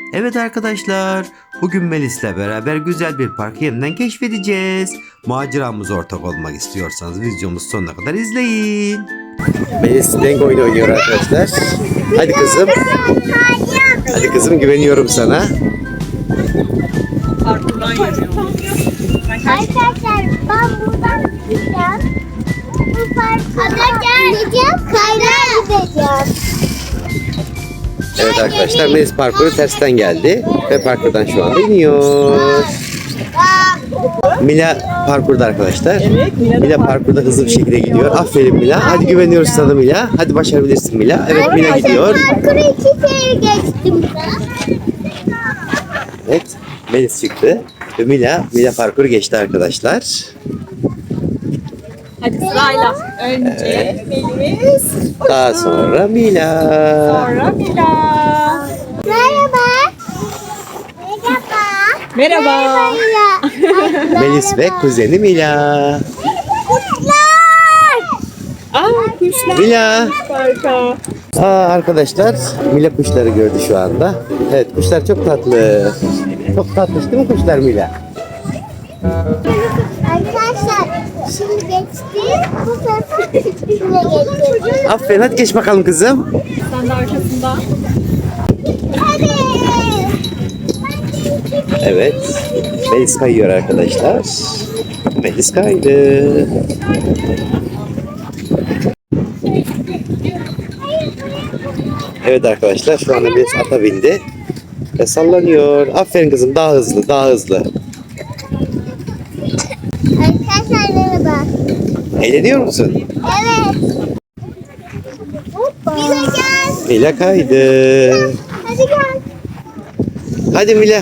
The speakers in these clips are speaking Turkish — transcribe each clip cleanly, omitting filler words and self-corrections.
Evet arkadaşlar, bugün Melis'le beraber güzel bir parkı yeniden keşfedeceğiz. Maceramıza ortak olmak istiyorsanız videomuzu sonuna kadar izleyin. Melis renk oyunu oynuyor arkadaşlar. Hadi kızım. Hadi kızım, güveniyorum sana. Arkadaşlar ben buradan gideceğim. Bu parka gideceğim. Kaynağa gideceğim. Evet arkadaşlar, Melis parkuru tersten geldi ve parkurdan şu anda iniyor. Mila parkurda arkadaşlar. Evet, Mila parkurda hızlı bir şekilde gidiyor. Aferin Mila. Hadi güveniyoruz sana Mila. Hadi başarabilirsin Mila. Evet, Mila gidiyor. Parkuru 2 kere geçtim ben. Evet, Melis çıktı ve Mila parkuru geçti arkadaşlar. Hadi sırayla. Önce Melis. Daha sonra Mila. Sonra Mila. Merhaba. Merhaba. Merhaba. Melis ve kuzeni Mila. Kuşlar. Kuşlar. Mila. Harika. Arkadaşlar, Mila kuşları gördü şu anda. Evet, kuşlar çok tatlı. Çok tatlı değil mi kuşlar Mila? Arkadaşlar şimdi geçti. Bu sefer üstüne geçeceğiz. Aferin, hadi geç bakalım kızım. Sen de arkasında. Hadi. Evet, Melis kayıyor arkadaşlar. Melis kaydı. Evet arkadaşlar, şu anda Melis ata bindi ve sallanıyor. Aferin kızım, daha hızlı, daha hızlı. Arkadaşlar merhaba. Eğleniyor musun? Evet. Mila gel. Mila kaydı. Hadi gel. Hadi Mila.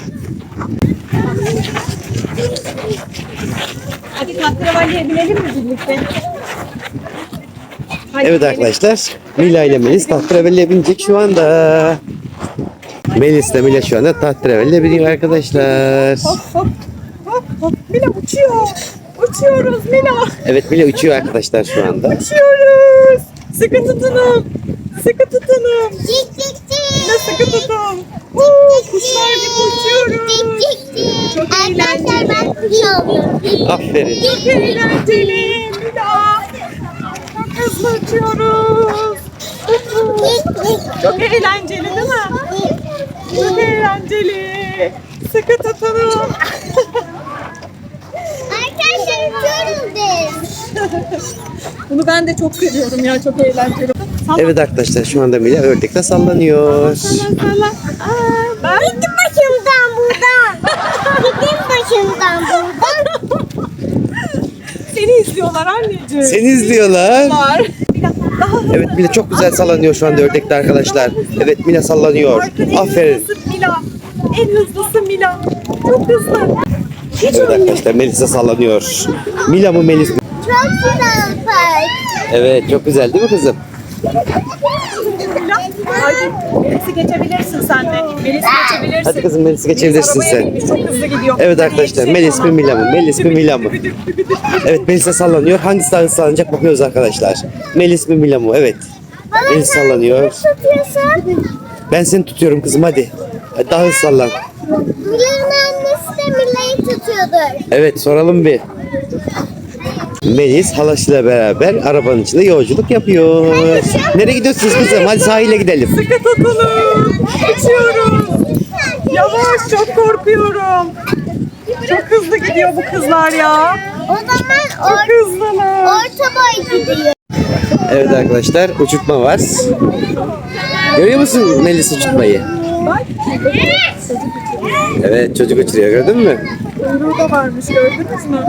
Hadi tahterevalliye binelim mi birlikte? Hadi Evet binelim. arkadaşlar, Mila ile Melis tahterevalliye binecek şu anda. Melis ile Mila şu anda tahterevalliye biniyor arkadaşlar. Hop hop. Hop hop. Mila uçuyor. Uçuyoruz Mila. Evet, Mila uçuyor arkadaşlar şu anda. Uçuyoruz. Sıkı tutunun. Sıkı tutunun. Cik cik cik. Mila sıkı tutun. Kuşlar gibi uçuyoruz. Cik cik cik. Çok Arkadaşlar eğlenceli. ben kuş oldum. Aferin. Çok eğlenceli Mila. Çok hızlı uçuyoruz. Çok eğlenceli değil mi? Çok eğlenceli. Sıkı tutunun. Arkadaşlar uçuyoruz biz. Bunu ben de çok seviyorum ya. Çok eğlenceli. Evet arkadaşlar, şu anda Mila ördekle sallanıyor. Sallan. Ben Gittim başımdan buradan. Gittim başımdan buradan. seni izliyorlar anneciğim. Seni izliyorlar. Var. Daha hızlı. Evet, Mila çok güzel sallanıyor şu anda ördekte arkadaşlar. Evet, Mila sallanıyor. Arkada en Aferin. hızlısı Mila. En hızlısı Mila. Çok hızlı. Hiç Evet ölmüyor. arkadaşlar, Melis de sallanıyor. Mila mı Melis mi? Çok güzel park. Evet, çok güzel değil mi kızım? Mila. Hadi. Melis'i geçebilirsin sen de. Melis'i geçebilirsin. Hadi kızım, Melis'i geçebilirsin Arabaya sen. binmiş, çok hızlı gidiyor. Evet arkadaşlar, Melis mi Mila mı? Melis mi Mila mı? Evet, Melis de sallanıyor. Hangisi daha hızlı sallanacak bakıyoruz arkadaşlar. Melis mi Mila mı? Evet. Melis sallanıyor. Tutuyorsun. Ben seni tutuyorum kızım, hadi. Hadi daha hızlı sallan. Mila'nın annesi de Mila'yı tutuyordur. Evet, soralım bir. Melis halasıyla beraber arabanın içinde yolculuk yapıyor. Nereye gidiyorsunuz kızım? Hadi sahile gidelim. Sıkı tutunun. Uçuyoruz. Yavaş, çok korkuyorum. Çok hızlı gidiyor bu kızlar ya. O zaman Çok hızlılar. orta boy gidiyor. Evet arkadaşlar, uçurtma var. Görüyor musun Melis uçurtmayı? Bak. Evet, çocuk uçuruyor, gördün mü? Kuyruğu da varmış, gördünüz mü?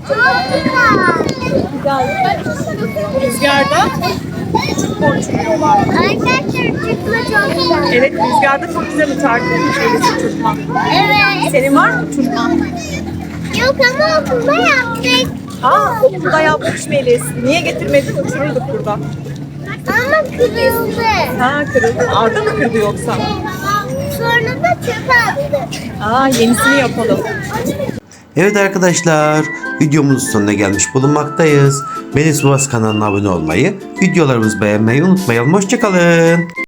Rüzgarda uçurtma uçuruyorlar. Arkadaşlar uçurtma çok güzel. Evet, rüzgarda çok güzel uçar Melis uçurtma. Evet. Senin var mı uçurtma? Yok ama okulda yaptık. Okulda yapmış Melis. Niye getirmedin? Uçururduk burada. Ama kırıldı. Kırıldı. Arda mı kırdı yoksa? Sonra da çöpe attık. Yenisini yapalım. Evet arkadaşlar, videomuzun sonuna gelmiş bulunmaktayız. Melis Babası kanalına abone olmayı, videolarımızı beğenmeyi unutmayalım. Hoşçakalın.